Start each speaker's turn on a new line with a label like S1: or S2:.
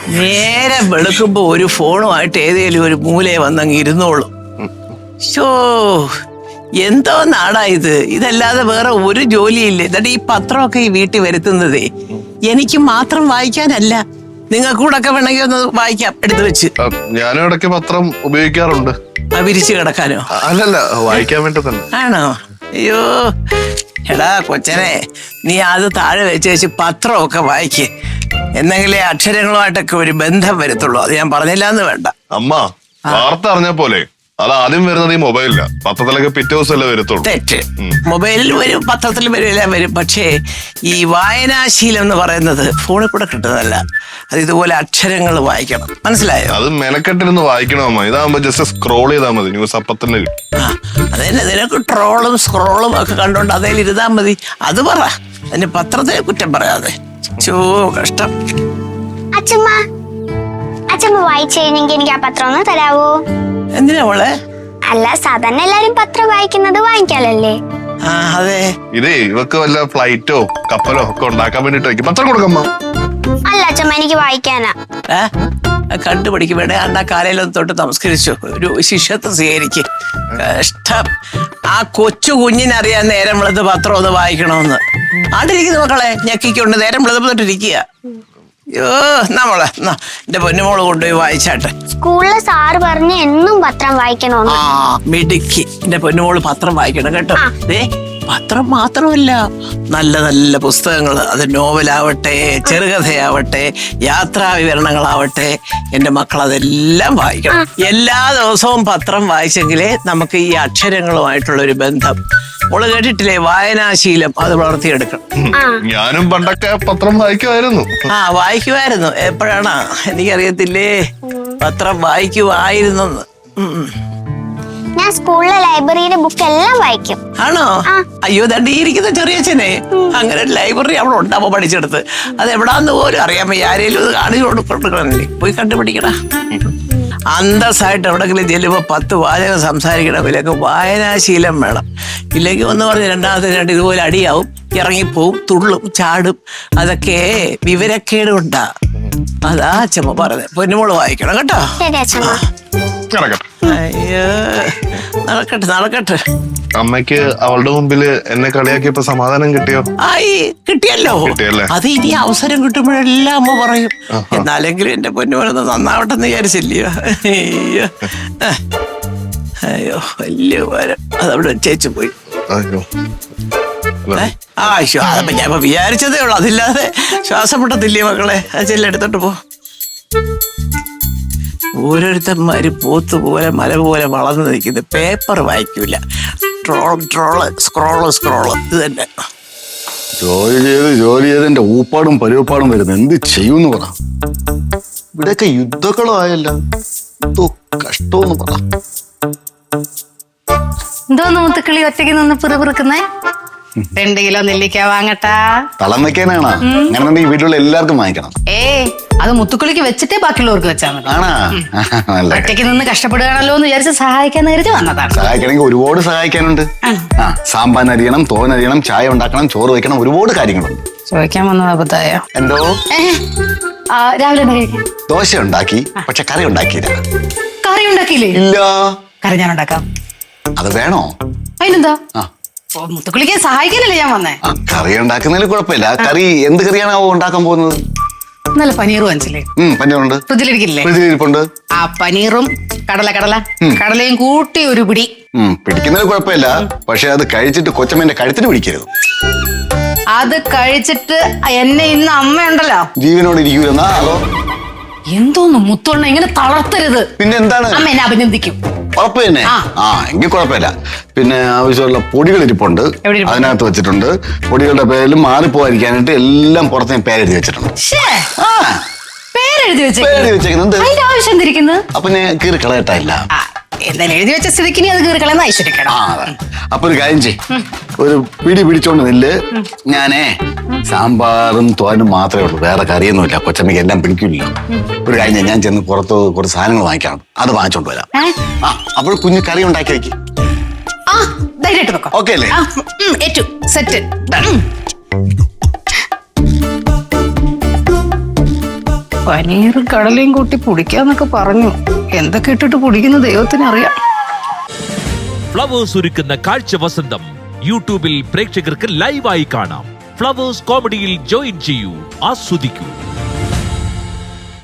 S1: നേരെ വെളുക്കുമ്പോ ഒരു ഫോണുമായിട്ട് ഏതേലും ഒരു മൂലയെ വന്നങ്ങ് ഇരുന്നോളും. ഷോ എന്തോ നാടാ ഇത്. ഇതല്ലാതെ വേറെ ഒരു ജോലിയില്ല. എന്നിട്ട് ഈ പത്രമൊക്കെ ഈ വീട്ടിൽ വരുത്തുന്നതേ എനിക്ക് മാത്രം വായിക്കാനല്ല, നിങ്ങൾക്ക് കൂടെ ഒക്കെ വേണമെങ്കിൽ ഒന്ന് വായിക്കാം എടുത്തു വെച്ച്.
S2: ഞാനും ഇടയ്ക്ക് പത്രം ഉപയോഗിക്കാറുണ്ട്.
S1: വിരിച്ചു കിടക്കാനോ?
S2: അല്ലല്ല, വായിക്കാൻ വേണ്ടി തന്നെ.
S1: ആണോ? അയ്യോ എടാ കൊച്ചനെ, നീ അത് താഴെ വെച്ച് പത്രമൊക്കെ വായിക്കേ, എന്നെങ്കിലേ അക്ഷരങ്ങളുമായിട്ടൊക്കെ ഒരു ബന്ധം വരത്തുള്ളൂ. അത് ഞാൻ പറഞ്ഞില്ല എന്ന് വേണ്ട.
S2: അമ്മ വാർത്ത അറിഞ്ഞ പോലെ അത് ആദ്യം വരുന്നത് ഈ മൊബൈലില്ല, പത്രത്തിലൊക്കെ പിറ്റേ ദിവസമല്ലേ വരത്തുള്ളൂ.
S1: തെറ്റ്. മൊബൈലിൽ വരും, പത്രത്തിൽ വരും, എല്ലാം വരും. പക്ഷേ ഈ വായനാശീലം എന്ന് പറയുന്നത് ഫോണിൽ കൂടെ കിട്ടുന്നതല്ല. അത് ഇതുപോലെ അക്ഷരങ്ങൾ വായിക്കണം, മനസ്സിലായോ?
S2: അത് മെനക്കെട്ടിരുന്ന് വായിക്കണം അമ്മ. ഇതാകുമ്പോ ജസ്റ്റ് സ്ക്രോൾ ചെയ്താൽ മതി, ന്യൂസ് അപ്പത്തന്നെ കിട്ടും.
S1: അതന്നെ, നിനക്ക് ട്രോളും സ്ക്രോളും ഒക്കെ കണ്ടോണ്ട് അതേൽ ഇരുതാ മതി. അത് പറ, അതിന് പത്രത്തെ കുറ്റം പറയാതെ. ചോ കഷ്ടം.
S3: അച്ഛമ്മ വായിച്ചു കഴിഞ്ഞെങ്കിൽ എനിക്ക് ആ പത്രം ഒന്ന് തരാവോ?
S1: എന്തിനാ മോളെ?
S3: അല്ല, സാധാരണ എല്ലാരും പത്രം വായിക്കുന്നത് വാങ്ങിക്കാലല്ലേ?
S1: അതെ.
S2: ഇതേ ഇവക്ക് വല്ല ഫ്ലൈറ്റോ കപ്പലോ ഒക്കെ ഉണ്ടാക്കാൻ വേണ്ടിട്ട് പത്രം കൊടുക്കമ്മ.
S3: അല്ല അച്ഛമ്മ, എനിക്ക് വായിക്കാനാ.
S1: കണ്ടുപിടിക്കും വേണേ അണ്ണാ കാലയിലൊന്ന് തൊട്ട് നമസ്കരിച്ചു ഒരു ശിഷ്യത്വം സ്വീകരിക്കും. കഷ്ടം. ആ കൊച്ചു കുഞ്ഞിനറിയാൻ നേരം വെളുത്ത് പത്രം ഒന്ന് വായിക്കണമെന്ന്. ആണ്ടിരിക്കുന്ന മക്കളെ ഞെക്കിക്കൊണ്ട് നേരം വെളുത്തിട്ടിരിക്കുക. അയ്യോ നമ്മളെ എന്റെ പൊന്നുമോള് കൊണ്ടുപോയി വായിച്ചാട്ടെ.
S3: സ്കൂളിലെ സാറ് പറഞ്ഞ് എന്നും പത്രം വായിക്കണോന്ന്.
S1: മിടുക്കി. എന്റെ പൊന്നുമോള് പത്രം വായിക്കണം കേട്ടോ. പത്രം മാത്രമല്ല, നല്ല നല്ല പുസ്തകങ്ങൾ, അത് നോവലാവട്ടെ, ചെറുകഥയാവട്ടെ, യാത്രാ വിവരണങ്ങളാവട്ടെ, എന്റെ മക്കൾ അതെല്ലാം വായിക്കണം. എല്ലാ ദിവസവും പത്രം വായിച്ചെങ്കിലേ നമുക്ക് ഈ അക്ഷരങ്ങളുമായിട്ടുള്ള ഒരു ബന്ധം. മോള് കേട്ടിട്ടില്ലേ, വായനാശീലം അത് വളർത്തിയെടുക്കണം.
S2: ഞാനും പണ്ടൊക്കെ പത്രം വായിക്കുമായിരുന്നു.
S1: വായിക്കുമായിരുന്നു. എപ്പോഴാണ് എനിക്കറിയത്തില്ലേ, പത്രം വായിക്കുമായിരുന്നെന്ന്.
S3: ഞാൻ സ്കൂളിലെ ലൈബ്രറിയിലെ ബുക്ക് എല്ലാം വായിക്കും.
S1: ആണോ? അയ്യോ ദണ്ടിയിരിക്കുന്ന ചെറിയച്ഛനെ അങ്ങനെ ലൈബ്രറി അവിടെ ഉണ്ടാവോ പഠിച്ചെടുത്ത്? അത് എവിടാന്ന് പോലും അറിയാൻ വയ്യ. ആരേലും ഇത് കാണിച്ചു കൊടുക്കണല്ലേ, പോയി കണ്ടുപിടിക്കണ. അന്തസ്സായിട്ട് എവിടെങ്കിലും ചെല്ലുമ്പോ 10 വാചകം സംസാരിക്കണമെങ്കിലൊക്കെ വായനാശീലം വേണം. ഇല്ലെങ്കിൽ ഒന്ന് പറഞ്ഞ് രണ്ടാമത്തെ ഇതുപോലെ അടിയാവും, ഇറങ്ങിപ്പോവും, തുള്ളും, ചാടും. അതൊക്കെ വിവരക്കേട് കൊണ്ടാ. അതാ അച്ഛമ്മ പറഞ്ഞത്. പൊന്നുമോള് വായിക്കണം കേട്ടോ. അയ്യോ നടക്കട്ടെ.
S2: അമ്മയ്ക്ക് അവളുടെ മുമ്പില് എന്നെ കളിയാക്കിയപ്പോ സമാധാനം കിട്ടിയോ?
S1: കിട്ടിയല്ലോ. അത് ഇനി അവസരം കിട്ടുമ്പോഴെല്ലാം അമ്മ പറയും. എന്നാലെങ്കിലും എന്റെ പൊന്നുമോനൊന്ന് നന്നാവട്ടെന്ന് വിചാരിച്ചില്ലയോ? അയ്യോ വലിയ ഉപകാരം. അതവിടെ വെച്ചേച്ചു പോയി. അതപ്പോ ഞാൻ ഇപ്പൊ വിചാരിച്ചതേ ഉള്ളു. അതില്ലാതെ ശ്വാസം മുട്ടത്തില്ലേ മക്കളെ? ചെല്ലെടുത്തോട്ട് പോ. ഓരോരുത്തന്മാര് പോത്ത് പോലെ മല പോലെ വളർന്നു നിൽക്കുന്നത്. പേപ്പർ വായിക്കൂല, സ്ക്രോള് ഇത് തന്നെ.
S4: ജോലി ചെയ്ത് എന്റെ ഊപ്പാടും പരുവപ്പാടും വരുന്നത് എന്ത് ചെയ്യൂന്ന് പറ. ഇവിടെയൊക്കെ യുദ്ധങ്ങളായല്ല, എന്തോ കഷ്ടമെന്ന് പറ.
S5: എന്തോന്ന് മുത്തുക്കിളി ഒറ്റയ്ക്ക് നിന്ന് പിറുപിറുക്കുന്നേ? 2 കിലോ നെല്ലിക്ക വാങ്ങട്ടാ?
S4: തളം വെക്കാനാണ്. അങ്ങനെ ഈ വീട്ടിലുള്ള എല്ലാവർക്കും വാങ്ങിക്കണം.
S5: അത് മുത്തുക്കിളിക്ക് വെച്ചിട്ടേ ബാക്കിയുള്ളവർക്ക് വെച്ചാൽ മതി.
S4: ആണാ?
S5: ഒറ്റയ്ക്ക് നിന്ന് കഷ്ടപ്പെടുകയാണല്ലോ എന്ന് വിചാരിച്ച് സഹായിക്കാൻ കരുതി വന്നതാണ്.
S4: സഹായിക്കണമെങ്കിൽ ഒരുപാട് സഹായിക്കാനുണ്ട്. സാമ്പാൻ അരിയണം, തോൻ അരിയണം, ചായ ഉണ്ടാക്കണം, ചോറ് വയ്ക്കണം, ഒരുപാട് കാര്യങ്ങളുണ്ട്.
S5: ചോദിക്കാൻ വന്നത് അബദ്ധായോ?
S4: എന്തോ
S5: രാവിലെ
S4: ദോശ ഉണ്ടാക്കി, പക്ഷെ കറി ഉണ്ടാക്കിയില്ല.
S5: കറി ഉണ്ടാക്കിയില്ലേ?
S4: ഇല്ല.
S5: കറി ഞാൻ ഉണ്ടാക്കാം.
S4: അത് വേണോ?
S5: അതിനെന്താ, മുത്തുക്കിളിക്ക് സഹായിക്കാനല്ലേ ഞാൻ വന്നേ.
S4: കറി ഉണ്ടാക്കുന്നതിൽ കുഴപ്പമില്ല. കറി എന്ത് കറിയാണാവോ ഉണ്ടാക്കാൻ പോകുന്നത്?
S5: നല്ല പനീർ വാങ്ങിച്ചില്ലേ?
S4: പനീറുണ്ട്,
S5: ഫ്രിഡ്ജിലിരിക്കില്ലേ? ആ പനീറും കടലയും കൂട്ടി ഒരു പിടി.
S4: പിടിക്കുന്നതിൽ കുഴപ്പമില്ല, പക്ഷെ അത് കഴിച്ചിട്ട് കൊച്ചമ്മേന്റെ കഴുത്തിന് പിടിക്കരുത്.
S5: അത് കഴിച്ചിട്ട് എന്നെ ഇന്ന് അമ്മയുണ്ടല്ലോ
S4: ജീവനോട് ഇരിക്കൂലെന്നാ? അതോ
S5: എന്തോന്ന് മുത്തോണ്ണ ഇങ്ങനെ തളർത്തരുത്.
S4: പിന്നെ എന്താണ്?
S5: അമ്മ എന്നെ അഭിനന്ദിക്കും.
S4: ഉറപ്പ് തന്നെ? എങ്കിൽ കുഴപ്പമില്ല. പിന്നെ ആവശ്യമുള്ള പൊടികൾ ഇരിപ്പുണ്ട്, അതിനകത്ത് വെച്ചിട്ടുണ്ട്. പൊടികളുടെ പേരിൽ മാറിപ്പോയിരിക്കാനായിട്ട് എല്ലാം പുറത്ത് ഞാൻ പേരെഴുതി വെച്ചിട്ടുണ്ട്.
S5: പേരെഴുതി വെച്ചേക്കുന്നത് ആവശ്യം തിരിക്കുന്നത്.
S4: അപ്പൊ ഞാൻ കീറി കളയട്ടില്ല.
S5: എന്തായാലും എഴുതി വെച്ച സ്ഥിതിക്ക് അത് കീറി കളയുന്ന ഐശ്വര്യക്കണം.
S4: അപ്പൊ ഒരു കാര്യം ചെയ്യ്, ഒരു പിടി പിടിച്ചോണ്ട് നില്ല്. ഞാനേ സാമ്പാറും തോനും മാത്രമേ ഉള്ളൂ, വേറെ കറിയൊന്നുമില്ല. കൊച്ചമ്മയ്ക്ക് എല്ലാം പിടിക്കില്ലല്ലോ. ഒരു കാര്യം, ഞാൻ ചെന്ന് പുറത്ത് കുറച്ച് സാധനങ്ങൾ വാങ്ങിക്കണം, അത് വാങ്ങിച്ചോണ്ട് വരാം. അപ്പോൾ കുഞ്ഞ് കറി ഉണ്ടാക്കി വെക്ക്. ഓക്കെ അല്ലേ?
S5: സെറ്റ്. പനീറും കടലയും കൂട്ടി പൊടിക്കാന്നൊക്കെ പറഞ്ഞു. എന്തൊക്കെ ഇട്ടിട്ട് പൊടിക്കുന്ന ദൈവത്തിനറിയാം.
S6: ഫ്ലവേഴ്സ് ഒരുക്കുന്ന കാഴ്ച വസന്തം യൂട്യൂബിൽ പ്രേക്ഷകർക്ക് ലൈവായി കാണാം. ഫ്ലവേഴ്സ് കോമഡിയിൽ ജോയിൻ ചെയ്യൂ, ആസ്വദിക്കൂ.